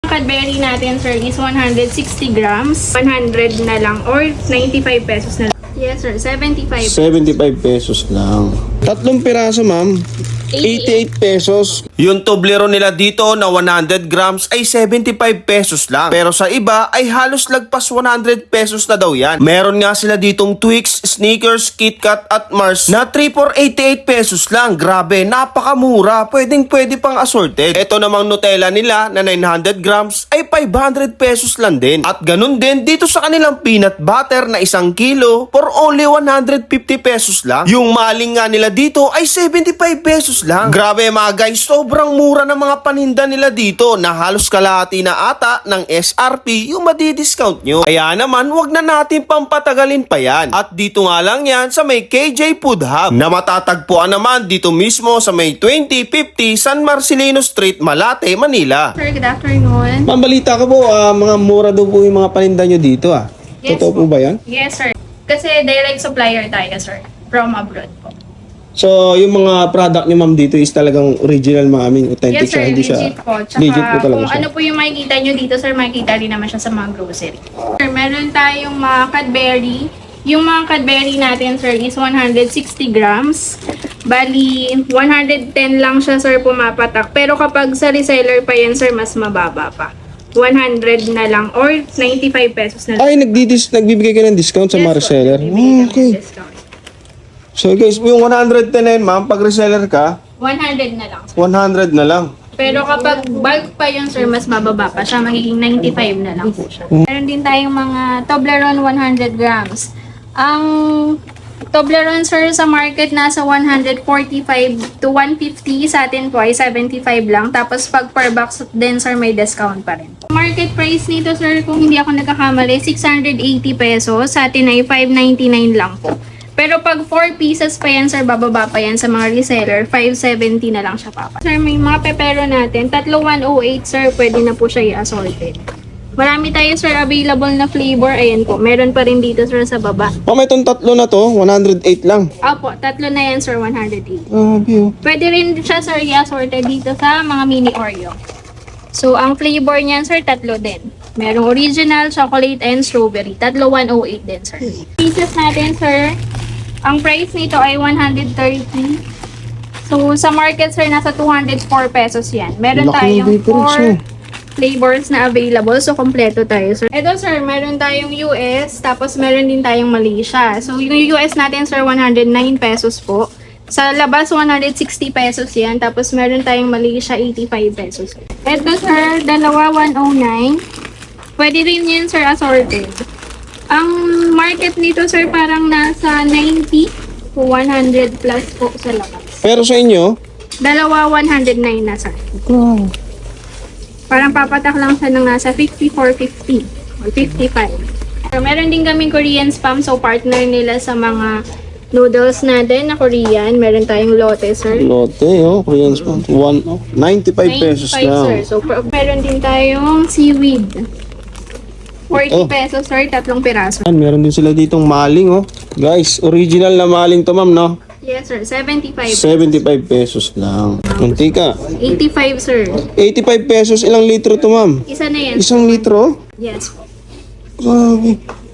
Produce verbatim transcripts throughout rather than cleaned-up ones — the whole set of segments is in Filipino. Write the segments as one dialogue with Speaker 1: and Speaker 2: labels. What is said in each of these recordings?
Speaker 1: Cadbury natin, sir, is one hundred sixty grams. one hundred na lang or ninety-five pesos na lang. Yes, sir. seventy-five.
Speaker 2: seventy-five pesos lang. Tatlong piraso, ma'am. eighty-eight pesos.
Speaker 3: Yung Toblerone nila dito na one hundred grams ay seventy-five pesos lang. Pero sa iba ay halos lagpas one hundred pesos na daw yan. Meron nga sila ditong Twix, Snickers, KitKat at Mars na three for eighty-eight pesos lang. Grabe, napakamura. Pwedeng pwede pang assorted. Ito namang Nutella nila na nine hundred grams ay five hundred pesos lang din. At ganun din dito sa kanilang peanut butter na isang kilo for only one hundred fifty pesos lang. Yung maling nga nila dito ay seventy-five pesos lang. Grabe mga guys, sobrang mura ng mga paninda nila dito na halos kalahati na ata ng S R P yung madi-discount nyo. Kaya naman, wag na natin pampatagalin pa yan. At dito nga lang yan sa may K J Food Hub na matatagpuan naman dito mismo sa may twenty fifty San Marcelino Street, Malate, Manila.
Speaker 1: Sir, good afternoon.
Speaker 2: Ma'am, balita ko po, ah, mga mura daw po yung mga paninda nyo dito ah.
Speaker 1: Yes
Speaker 2: Totoo po
Speaker 1: po.
Speaker 2: ba yan?
Speaker 1: Yes, sir. Kasi direct supplier tayo, sir. From abroad po.
Speaker 2: So, yung mga product nyo ma'am dito is talagang original mga aming authentic
Speaker 1: Yes, sir.
Speaker 2: siya, hindi siya.
Speaker 1: Legit po. Tsaka
Speaker 2: Legit po talaga
Speaker 1: kung
Speaker 2: siya.
Speaker 1: ano po yung makikita nyo dito, sir, makikita rin naman siya sa mga grocery. Sir, meron tayong mga Cadbury. Yung mga Cadbury natin, sir, is one hundred sixty grams. Bali, one hundred ten lang siya, sir, pumapatak. Pero kapag sa reseller pa yan, sir, mas mababa pa. one hundred na lang or ninety-five pesos na lang.
Speaker 2: Ay, nagdidis, nagbibigay ka ng discount sa
Speaker 1: Yes
Speaker 2: mga
Speaker 1: po,
Speaker 2: reseller.
Speaker 1: bibigyan
Speaker 2: Oh,
Speaker 1: kami
Speaker 2: okay.
Speaker 1: ng discount.
Speaker 2: So guys, yung one hundred ten na yun ma'am, pag reseller ka,
Speaker 1: one hundred na lang, sir.
Speaker 2: one hundred na lang.
Speaker 1: Pero kapag bulk pa yun, sir, mas mababa pa siya. Magiging ninety-five na lang po siya. Meron din tayong mga Toblerone one hundred grams. Ang Toblerone, sir, sa market nasa one forty-five to one fifty. Sa atin po ay seventy-five lang. Tapos pag per box din, sir, may discount pa rin. Market price nito, sir, kung hindi ako nagkakamali, six hundred eighty pesos. Sa atin ay five ninety-nine lang po. Pero pag four pieces pa yan, sir, bababa pa yan sa mga reseller, five seventy na lang siya papa. Sir, may mga pepero natin. Tatlo one oh eight, sir, pwede na po siya i-assorted. Marami tayo, sir, available na flavor. Ayan po, meron pa rin dito, sir, sa baba.
Speaker 2: Oh, may itong tatlo na to, one hundred eight lang.
Speaker 1: Opo, tatlo na yan, sir, one hundred eight.
Speaker 2: Grabe oh.
Speaker 1: Pwede rin siya, sir, i-assorted dito sa mga mini Oreo. So, ang flavor niyan, sir, tatlo din. Merong original, chocolate, and strawberry. Tatlo one oh eight din, sir. Pieces natin, sir, ang price nito ay one hundred thirty. So, sa market, sir, nasa two hundred four pesos yan. Meron
Speaker 2: Laki ng
Speaker 1: tayong
Speaker 2: difference,
Speaker 1: four
Speaker 2: oh.
Speaker 1: flavors na available. So, kompleto tayo, sir. Ito, sir, meron tayong U S, tapos meron din tayong Malaysia. So, yung U S natin, sir, one hundred nine pesos po. Sa labas, one hundred sixty pesos yan. Tapos, meron tayong Malaysia, eighty-five pesos. Ito, sir, dalawa, one oh nine. Pwede rin yan, sir, assorted. Ang market nito, sir, parang nasa ninety to one hundred plus po sa labas.
Speaker 2: Pero sa inyo,
Speaker 1: Dalawa, one hundred nine na, sir.
Speaker 2: wow.
Speaker 1: Parang papatak lang siya ng nasa fifty-four fifty or fifty-five. So, meron din kaming Korean spam. So, partner nila sa mga noodles natin na Korean. Meron tayong Lotte, sir.
Speaker 2: Lotte, oh, Korean spam. One, oh, ninety-five pesos
Speaker 1: ninety-five,
Speaker 2: lang.
Speaker 1: sir. So, per- meron din tayong seaweed. forty
Speaker 2: Oh.
Speaker 1: pesos, sir. Tatlong piraso.
Speaker 2: Yan, meron din sila ditong maling, oh. Guys, original na maling to, ma'am, no?
Speaker 1: Yes, sir. seventy-five.
Speaker 2: seventy-five pesos lang. Mantika.
Speaker 1: eighty-five, sir.
Speaker 2: eighty-five pesos, ilang litro to, ma'am?
Speaker 1: Isa na yan.
Speaker 2: Isang litro?
Speaker 1: Yes po.
Speaker 2: Grabe.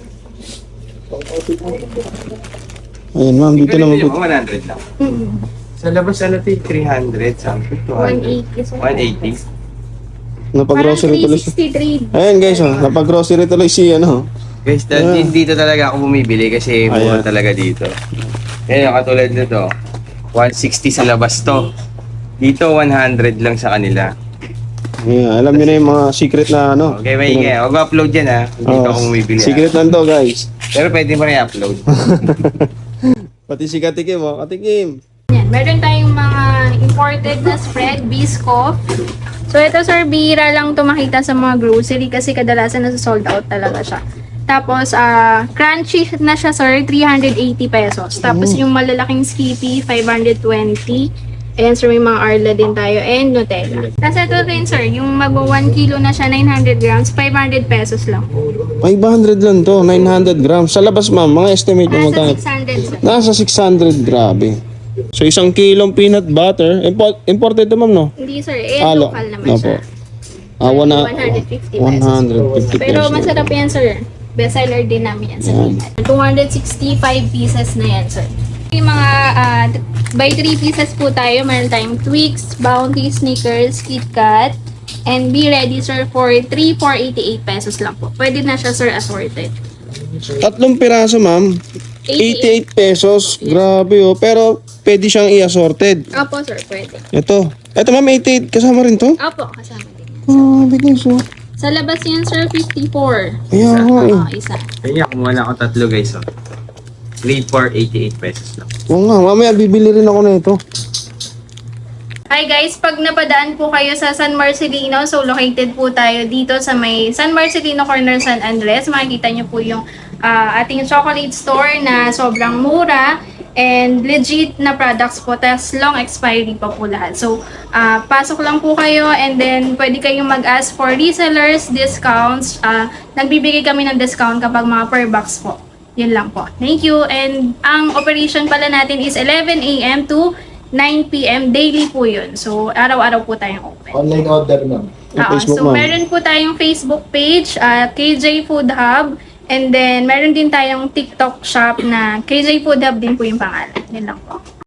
Speaker 2: Ayan, ma'am, dito naman po.
Speaker 4: one hundred lang.
Speaker 1: Mm-hmm.
Speaker 4: Sa labas ano ito, three hundred something, two
Speaker 1: one
Speaker 4: hundred.
Speaker 1: eighty, sir.
Speaker 4: one eighty.
Speaker 1: Parang
Speaker 2: Napag-grocery tuloy si...
Speaker 1: three sixty-three.
Speaker 2: Ayan, guys, oh. Napag-grocery tuloy si, ano.
Speaker 4: Guys, dahil
Speaker 2: Ah.
Speaker 4: dito talaga ako bumibili kasi
Speaker 2: Ayan.
Speaker 4: mura talaga dito. Ayan, katulad nito, one sixty sa labas to. Dito, one hundred lang sa kanila.
Speaker 2: Ayan, alam niyo na yung mga secret na, ano.
Speaker 4: Okay, may ingay. Huwag upload yan ha. Dito
Speaker 2: Oh,
Speaker 4: ako bumibili.
Speaker 2: secret
Speaker 4: ha.
Speaker 2: lang to, guys.
Speaker 4: Pero pwede mo rin i-upload.
Speaker 2: Pati si Katikim, oh. Katikim.
Speaker 1: Yan. Meron tayong mga imported na spread, Biscoff. So, ito, sir, bihira lang ito makita sa mga grocery kasi kadalasan nasa sold out talaga siya. Tapos, ah crunchy na siya, sir, three hundred eighty pesos. Tapos, yung malalaking Skippy, five hundred twenty. Ayan, sir, may mga Arla din tayo. And Nutella. Tapos, ito rin, sir, yung mag one kilo na siya, nine hundred grams, five hundred pesos lang.
Speaker 2: five hundred lang to, nine hundred grams. Sa labas, ma'am, mga estimate mo
Speaker 1: Nasa
Speaker 2: magkano?
Speaker 1: six hundred, sir.
Speaker 2: Nasa six hundred, grabe. So, isang kilong peanut butter. Import, imported to, ma'am, no?
Speaker 1: Hindi, sir. Eh,
Speaker 2: Ah, lo-
Speaker 1: local naman
Speaker 2: no
Speaker 1: siya.
Speaker 2: po. Ah, wana,
Speaker 1: one hundred fifty pesos.
Speaker 2: one hundred fifty
Speaker 1: Pero
Speaker 2: pesos.
Speaker 1: masarap yan, sir. Bestseller din namin yan sa
Speaker 2: Yan.
Speaker 1: Tmall. two hundred sixty-five pieces na yan, sir. Yung mga ah, by three pieces po tayo, meron tayong Twix, Bounty, Snickers, KitKat, and be ready, sir, for three for eighty-eight pesos lang po. Pwede na siya, sir, assorted.
Speaker 2: Tatlong piraso, ma'am. eighty-eight pesos. Grabe oh. Pero pwede siyang i-assorted.
Speaker 1: Opo, sir, pwede.
Speaker 2: Ito. Ito, ma'am, eighty-eight. Kasama rin to?
Speaker 1: Opo, kasama din yan.
Speaker 2: Grabe guys oh.
Speaker 1: Sa labas yan, sir, fifty-four.
Speaker 2: Kaya nga eh.
Speaker 1: Oo, isa.
Speaker 4: Kaya kumuha lang ako tatlo guys. Oh. three for eighty-eight pesos lang.
Speaker 2: Oo nga, mamaya bibili rin ako na ito.
Speaker 1: Hi guys, pag napadaan po kayo sa San Marcelino, so located po tayo dito sa may San Marcelino Corner, San Andres. Makikita nyo po yung ah, ating chocolate store na sobrang mura and legit na products po, tas long expiry pa po lahat. So, ah, pasok lang po kayo and then pwede kayong mag-ask for resellers, discounts. Ah, nagbibigay kami ng discount kapag mga per box po. Yun lang po. Thank you. And ang operation pala natin is eleven a m to nine p m daily po yun. So, araw-araw po tayong open.
Speaker 5: Online order, ma'am.
Speaker 2: Yung
Speaker 1: Oo,
Speaker 2: Facebook,
Speaker 1: so,
Speaker 2: ma'am.
Speaker 1: meron po tayong Facebook page, uh, K J Food Hub. And then, meron din tayong TikTok shop na K J Food Hub din po yung pangalan. Yun lang po.